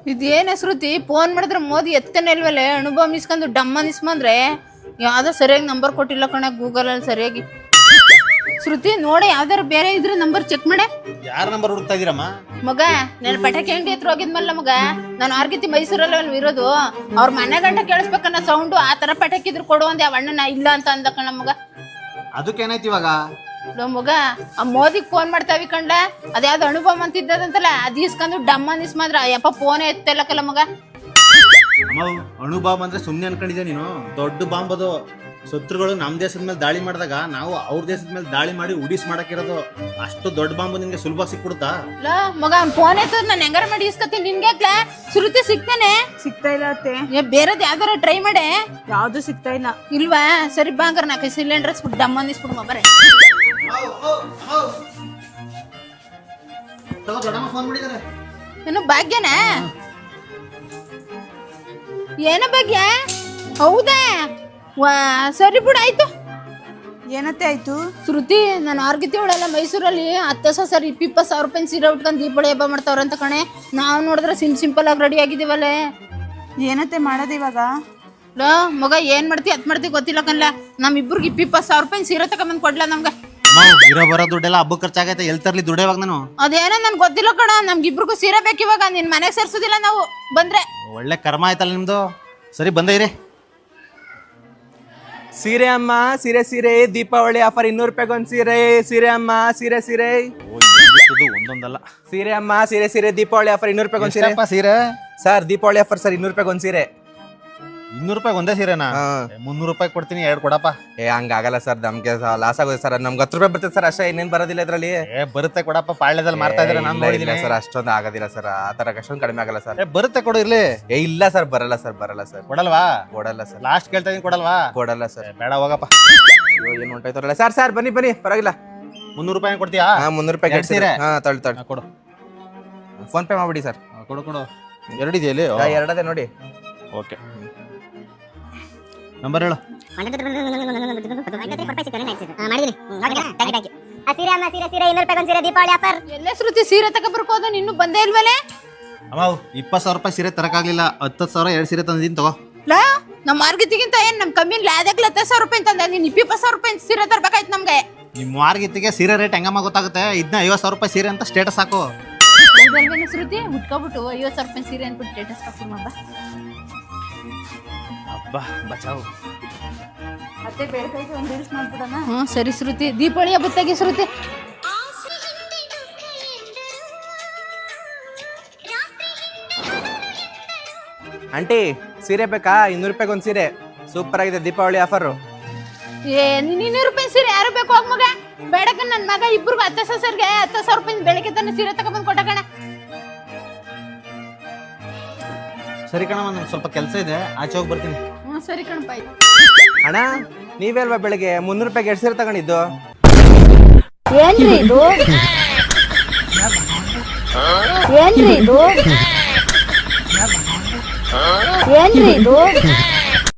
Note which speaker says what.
Speaker 1: ಇದೇನ ಶ್ರುತಿ ಫೋನ್ ಮಾಡಿದ್ರೆ ಮೋದಿ ಎತ್ತನೇ ಇಲ್ವಲ್ಲೇ ಅನುಭವ ಇಸ್ಕೊಂಡು ಡಮ್ಮ ಇಸ್ಕೊಂಡ್ರೆ ಯಾವ್ದೋ ಸರಿಯಾಗಿ ನಂಬರ್ ಕೊಟ್ಟಿಲ್ಲ ಕಣ ಗೂಗಲ್ ಅಲ್ಲಿ ಸರಿಯಾಗಿ. ಶ್ರುತಿ ನೋಡಿ ಯಾವ್ದಾರು ಬೇರೆ ಇದ್ರೆ ನಂಬರ್ ಚೆಕ್ ಮಾಡೆ.
Speaker 2: ಯಾರ ನಂಬರ್ ಹುಡುಕ್ತಾ ಇದೀರಮ್ಮ?
Speaker 1: ಮಗ ನಾನು ಪಟಾಕಿ ಅಂಗಡಿ ಹತ್ರ ಹೋಗಿದ್ಮಲ್ಲ ಮಗ, ನಾನು ಆರ್ಗಿತಿ ಮೈಸೂರಲ್ಲಿ ಇರೋದು. ಅವ್ರ ಮನೆ ಗಂಟ ಕೇಳಿಸ್ಬೇಕನ್ನ ಸೌಂಡು. ಆ ತರ ಪಟಾಕಿ ಇದ್ರು ಕೊಡು ಅಂದೆ, ಅವ್ ಅಣ್ಣನ ಇಲ್ಲ ಅಂತ ಅಂದ ಕಣ ಮಗ.
Speaker 2: ಅದಕ್ಕೇನಾಯ್ತು ಇವಾಗ?
Speaker 1: ಮಗ ಆ ಮೋದಿಗ್ ಫೋನ್ ಮಾಡ್ತಾವಿ ಕಂಡ, ಅದ್ಯಾವ್ದು ಅನುಭವ ಅಂತಿದ್ದದಂತಲ್ಲ, ಅದ್ ಇಸ್ಕೊಂಡು ಡಮ್ಮ ಇಸ್ಮಾದ್ರ ಯಪ್ಪ ಫೋನೇ ಎತ್ತಲ್ಲಕಲ್ಲ ಮಗ.
Speaker 2: ಅಮ್ಮ ಅಣು ಬಾಂಬ್ ಅಂದ್ರೆ ಸುಮ್ನೆ ಅನ್ಕೊಂಡಿದ್ದೆ ನೀನು? ದೊಡ್ಡ ಬಾಂಬ್ ಅದು. ಶತ್ರುಗಳು ನಮ್ ದೇಶದ ಮೇಲೆ ದಾಳಿ ಮಾಡಿದಾಗ ನಾವು ಅವ್ರ ದೇಶದ ಮೇಲೆ ದಾಳಿ ಮಾಡಿ ಉಡಿಸ್ ಮಾಡಕ್ಕಿರೋದು. ಅಷ್ಟು ದೊಡ್ಡ ಬಾಂಬ್ ನಿನ್ಗೆ ಸುಲಭ ಸಿಕ್ಬಿಡುತ್ತಾ?
Speaker 1: ಮಗ ಫೋನ್ ಎತ್ತ ನಾನು ಹೆಂಗಾರ ಮಾಡಿ ಇಸ್ಕತ್ತೀನಿ. ನಿನ್ಗೆ ಶ್ರುತಿ ಸಿಗ್ತಾನೆ?
Speaker 3: ಸಿಗ್ತಾ ಇಲ್ಲ ಅತ್ತೆ.
Speaker 1: ಬೇರೆದ್ ಯಾವ್ದಾರ ಟ್ರೈ ಮಾಡೆ.
Speaker 3: ಯಾವ್ದು ಸಿಗ್ತಾ ಇಲ್ಲ.
Speaker 1: ಇಲ್ವಾ? ಸರಿ ಬಾಂಗಾರ 4 ಸಿಲಿಂಡರ್ ಡಮ್ಮ ಅಂದಿಸ್ಬಿಡು ಮಬ್ಬರೇ. ಏನು ಭಾಗ್ಯನ? ಏನ ಭಾಗ್ಯ? ಹೌದಾ? ಸರಿ ಬಿಡು ಆಯ್ತು.
Speaker 3: ಏನತ್ತೆ ಆಯ್ತು?
Speaker 1: ಶ್ರುತಿ ನಾನು ಆರ್ಗಿತಿ ಅವಳೆಲ್ಲ ಮೈಸೂರಲ್ಲಿ 10,000 20,000 ರೂಪಾಯಿ ಸೀರೆ ಉಟ್ಕೊಂಡು ದೀಪಾವಳಿ ಹಬ್ಬ ಮಾಡ್ತಾವ್ರಂತ ಕಣೆ. ನಾವು ನೋಡಿದ್ರೆ ಸಿಂಪಲ್ ಆಗಿ ರೆಡಿ ಆಗಿದ್ದೀವಲ್ಲೇ.
Speaker 3: ಏನತ್ತೆ ಮಾಡೋದು ಇವಾಗ?
Speaker 1: ಮಗ ಏನ್ ಮಾಡ್ತಿ ಅದ್ ಮಾಡ್ತಿ ಗೊತ್ತಿಲ್ಲ ಕಣ್ಲ. ನಮ್ಮಿಬ್ರಿಗೆ 20,000 ರೂಪಾಯಿ ಸೀರೆ ತಗೊಂಬಂದ್ ಕೊಡ್ಲಾ ನಮ್ಗ?
Speaker 2: ಇರೋ ಬರೋ ದುಡ್ಡೆಲ್ಲ ಹಬ್ಬ ಖರ್ಚಾಗೈತೆ. ಎಲ್ ತರ್ಲಿ ದುಡ್ಡು ಇವಾಗ ನಾನು?
Speaker 1: ಅದೇನೋ ನನ್ ಗೊತ್ತಿಲ್ಲ ಕಣ. ನಮ್ಗಿಬ್ರಿಗೂ ಸೀರೆ ಬೇಕಿವಾಗ. ನಿನ್ ಮನೆಗೆ ಸೇರ್ಸೋದಿಲ್ಲ ನಾವು ಬಂದ್ರೆ.
Speaker 2: ಒಳ್ಳೆ ಕರ್ಮ ಆಯ್ತಲ್ಲ ನಿಮ್ದು. ಸರಿ ಬಂದ ಇರಿ.
Speaker 4: ಸೀರೆ ಅಮ್ಮ ಸೀರೆ ಸೀರೆ ದೀಪಾವಳಿ ಆಫರ್ 200 ರೂಪಾಯಿಗೆ ಒಂದು ಸೀರೆ. ಸೀರೆ ಅಮ್ಮ ಸೀರೆ ಸೀರೆ
Speaker 2: ಒಂದೊಂದಲ್ಲ.
Speaker 4: ಸೀರೆ ಅಮ್ಮ ಸೀರೆ ಸೀರೆ ದೀಪಾವಳಿ ಆಫರ್ 200 ರೂಪಾಯಿಗೆ ಒಂದು ಸೀರೆ.
Speaker 2: ಸೀರೆ
Speaker 4: ಸರ್ ದೀಪಾವಳಿ ಆಫರ್ ಸರ್ 200 ರೂಪಾಯಿಗೆ ಒಂದು ಸೀರೆ.
Speaker 2: 200 ರೂಪಾಯಿ ಒಂದೇ ಸೀರೆನಾ? 300 ರೂಪಾಯಿ ಕೊಡ್ತೀನಿ, 2 ಕೊಡಪ್ಪ.
Speaker 4: ಹಂಗಾಗಲ್ಲ ಸರ್, ನಮ್ಗೆ ಲಾಸ್ ಆಗೋದು ಸರ್. ನಮ್ಗೆ 10 ರೂಪಾಯಿ ಬರ್ತದೆ ಸರ್ ಅಷ್ಟೇ, ಇನ್ನೇನು ಬರೋದಿಲ್ಲ ಇದ್ರಲ್ಲಿ.
Speaker 2: ಬರುತ್ತೆ ಕೊಡಪ್ಪ. ಪಾಳ್ಯದಲ್ಲಿ ಮಾರ್ತಾ ಇದ್ರೆ ನಾನು ನೋಡಿದ್ದೀನಿ
Speaker 4: ಸರ್. ಅಷ್ಟೊಂದು ಆಗೋದಿಲ್ಲ ಸರ್, ಆ ತರ ಅಷ್ಟೊಂದು ಕಡಿಮೆ ಆಗಲ್ಲ ಸರ್.
Speaker 2: ಬರುತ್ತೆ ಕೊಡು ಇರ್ಲಿ.
Speaker 4: ಇಲ್ಲ ಸರ್, ಬರಲ್ಲ ಸರ್, ಬರಲ್ಲ ಸರ್.
Speaker 2: ಕೊಡಲ್ವಾ?
Speaker 4: ಕೊಡಲ್ಲ ಸರ್.
Speaker 2: ಲಾಸ್ಟ್ ಕೇಳ್ತಾ ಇದೀನಿ, ಕೊಡಲ್ವಾ?
Speaker 4: ಕೊಡಲ್ಲ ಸರ್.
Speaker 2: ಬೇಡ ಹೋಗಪ್ಪ.
Speaker 4: ಏನು ಹೊಂಟಾಯ್ತಾರಲ್ಲ ಸರ್. ಸರ್ ಬನ್ನಿ ಬನ್ನಿ, ಪರವಾಗಿಲ್ಲ.
Speaker 2: 300 ರೂಪಾಯಿ ಕೊಡ್ತೀಯಾ?
Speaker 4: 300 ರೂಪಾಯಿ
Speaker 2: ಸೀರೆ.
Speaker 4: ತಳ್ಳಿ
Speaker 2: ಕೊಡು.
Speaker 4: ಫೋನ್ ಪೇ ಮಾಡ್ಬಿಡಿ ಸರ್.
Speaker 2: ಕೊಡು ಕೊಡು. ಎರಡಿದೆಯಲ್ಲಿ?
Speaker 4: ಎರಡದೇ ನೋಡಿ.
Speaker 2: ಓಕೆ, ನಂಬರ್ ಹೇಳು.
Speaker 1: ಎಲ್ಲ ಶ್ರುತಿ ಸೀರೆ ತಗೊಬರ್ಕೋದು, ನಿನ್ನೂ ಬಂದೇ ಇಲ್ವಲ್ಲೇ?
Speaker 2: ಅಮ್ಮ 20,000 ರೂಪಾಯಿ ಸೀರೆ ತರಕಾಗ್ಲಿಲ್ಲ. 10,000 2 ಸೀರೆ ತಂದಿದ್ದೀನಿ ತಗೋ.
Speaker 1: ನಮ್ಮ ಮಾರ್ಗಿತಿಗಿಂತ ಏನ್ ನಮ್ ಕಮ್ಮಿ ಲಾದಕ್ಲ 10,000 ರೂಪಾಯಿ ತಂದ. ನೀನ್ 20,000 ರೂಪಾಯಿ ಸೀರೆ ತರ್ಬೇಕಾಯ್ತು ನಮ್ಗೆ.
Speaker 2: ನಿಮ್ಮ ಮಾರ್ಗಿತ್ತಿಗೆ ಸೀರೆ ರೇಟ್ ಹೆಂಗಮ್ಮ ಗೊತ್ತಾಗುತ್ತೆ? ಇದನ್ನ 50,000 ರೂಪಾಯಿ ಸೀರೆ ಅಂತ ಸ್ಟೇಟಸ್ ಹಾಕು.
Speaker 1: ಶ್ರುತಿ ಉಟ್ಕೊಬಿಟ್ಟು 50,000 ರೂಪಾಯಿ ಸೀರೆ ಅನ್ಬಿಟ್ಟು ಸ್ಟೇಟಸ್ ಹಾಕು ಮಬ್ಬ.
Speaker 2: ಅಬ್ಬಾ ಬಚಾವು.
Speaker 3: ಮತ್ತೆ ಬೇಕೈತೆ ಒಂದು ರೀಲ್ಸ್ ಮಾಡ್ಬಿಡೋಣ.
Speaker 1: ಸರಿ ಶ್ರುತಿ, ದೀಪಾವಳಿ ಹಬ್ಬತ್ತಾಗಿ ಶ್ರುತಿ.
Speaker 4: ಆಂಟಿ ಸೀರೆ ಬೇಕಾ? 200 ರೂಪಾಯಿಗೆ ಒಂದು ಸೀರೆ. ಸೂಪರ್ ಆಗಿದೆ ದೀಪಾವಳಿ ಆಫರ್.
Speaker 1: 200 ರೂಪಾಯಿ ಸೀರೆ ಯಾರು ಬೇಕು ಹೋಗ್ ಮಗ. ಬೇಡಕ ನನ್ ಮಗ ಇಬ್ರಿಗೂ 10,000 ರೂಪಾಯಿ ಬೆಳಗ್ಗೆ ತಾನೆ ಸೀರೆ ತಗೊಂಡ್ಬಂದು ಕೊಟ್ಟ ಕಣ.
Speaker 2: ಸರಿ ಕಣಮ್ಮ, ನಂಗೆ ಸ್ವಲ್ಪ ಕೆಲಸ ಇದೆ, ಆಚೆ ಹೋಗಿ ಬರ್ತೀನಿ.
Speaker 1: ಸರಿ ಕಣಪ್ಪ.
Speaker 4: ಅಣ್ಣ ನೀವೇ ಅಲ್ವಾ ಬೆಳಗ್ಗೆ 300 ರೂಪಾಯಿಗೆ 2 ಸೀರೆ ತಗೊಂಡಿದ್ದು?
Speaker 1: ಏನ್ರಿ ಇದು? ಏನ್ರಿ ಇದು? ಏನ್ರಿ ಇದು?